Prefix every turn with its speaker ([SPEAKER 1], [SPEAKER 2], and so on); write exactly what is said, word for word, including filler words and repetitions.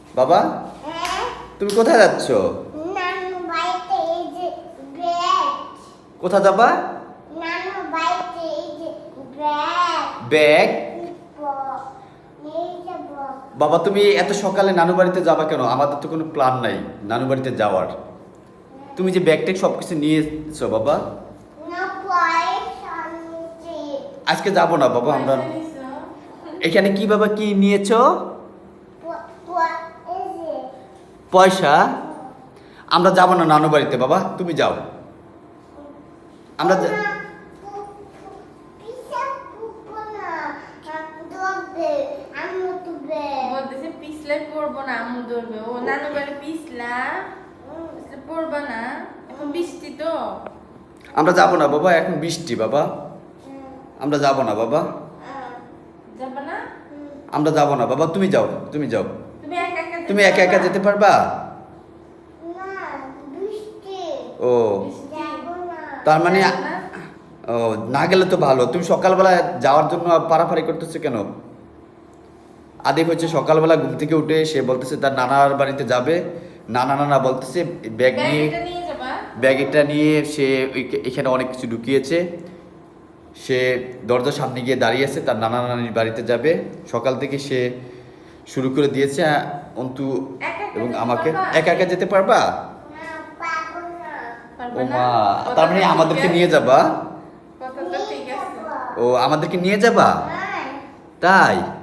[SPEAKER 1] বাবা তুমি কোথায় যাচ্ছ?
[SPEAKER 2] নানু বাড়িতে এই যে ব্যাগ।
[SPEAKER 1] কোথায় যাবা?
[SPEAKER 2] নানু বাড়িতে এই যে ব্যাগ।
[SPEAKER 1] ব্যাগ?
[SPEAKER 2] নিয়ে যাব।
[SPEAKER 1] বাবা তুমি এত সকালে নানু বাড়িতে যাবা কেন? আমাদের তো কোনো প্ল্যান নাই নানু বাড়িতে যাওয়ার। তুমি যে ব্যাগ ট্যাগ সব কিছু নিয়েছো বাবা।
[SPEAKER 2] না পয়সা নিয়েছি।
[SPEAKER 1] আজকে যাব না বাবা আমরা। এখানে কি বাবা কি নিয়েছো?
[SPEAKER 2] প- প- এই যে
[SPEAKER 1] পয়সা? আমরা যাব না নানু বাড়িতে বাবা, তুমি যাও। আমরা যা-
[SPEAKER 2] না, পু- পু- পিসা পুপো না। আ, ধরবে, আম্মু তুলবে।
[SPEAKER 3] বলতেছে পিছলে পড়বো না, আম্মু ধরবে। ও নানু বাড়ি পিছলা
[SPEAKER 2] উম,
[SPEAKER 3] পিছলে পড়বা না, এখন বৃষ্টি তো।
[SPEAKER 1] আমরা যাব না বাবা, এখন বৃষ্টি বাবা।
[SPEAKER 2] উম,
[SPEAKER 1] আমরা যাব না বাবা,
[SPEAKER 2] আ,
[SPEAKER 3] যাবা না?
[SPEAKER 2] উম,
[SPEAKER 1] আমরা যাব না বাবা, তুমি যাও, তুমি যাও।
[SPEAKER 3] তুমি একা একা যেতে
[SPEAKER 1] তুমি একা একা
[SPEAKER 3] পারবা?
[SPEAKER 1] যেতে পারবা?
[SPEAKER 2] না, বৃষ্টি।
[SPEAKER 1] ও
[SPEAKER 3] বৃষ্টি।
[SPEAKER 2] যাবো না।
[SPEAKER 1] তার মানে
[SPEAKER 3] যাবা না?
[SPEAKER 1] ও না গেলে তো ভালো। তুমি সকালবেলা যাওয়ার জন্য পারাপারি করতেছো কেন? আদিপ হচ্ছে সকালবেলা ঘুম থেকে উঠে সে বলতেছে তার নানার বাড়িতে যাবে। নানা নানা বলতেছে ব্যাগ নিয়ে,
[SPEAKER 3] ব্যাগটা নিয়ে যাবা?
[SPEAKER 1] ব্যাগটা নিয়ে সে ওই- এখানে অনেক কিছু ঢুকিয়েছে। সে দরজার সামনে গিয়ে দাঁড়িয়ে আছে, তার নানা নানির বাড়িতে যাবে। সকাল থেকে সে শুরু করে দিয়েছে অন্তু
[SPEAKER 3] একা একা
[SPEAKER 1] এবং
[SPEAKER 3] যেতে
[SPEAKER 1] আমাকে।
[SPEAKER 3] পারবা?
[SPEAKER 1] একা একা যেতে পারবা?
[SPEAKER 2] না, পাবো না।
[SPEAKER 3] পারবা
[SPEAKER 1] ও
[SPEAKER 3] না?
[SPEAKER 1] মা,
[SPEAKER 3] কথাটা
[SPEAKER 1] তার মানে
[SPEAKER 3] ঠিক
[SPEAKER 1] আমাদেরকে
[SPEAKER 3] আছে?
[SPEAKER 1] নিয়ে যাবা?
[SPEAKER 3] কথাটা ঠিক
[SPEAKER 2] নিয়ে
[SPEAKER 3] আছে।
[SPEAKER 2] যাবো।
[SPEAKER 1] ও আমাদেরকে নিয়ে যাবা?
[SPEAKER 2] হ্যাঁ।
[SPEAKER 1] তাই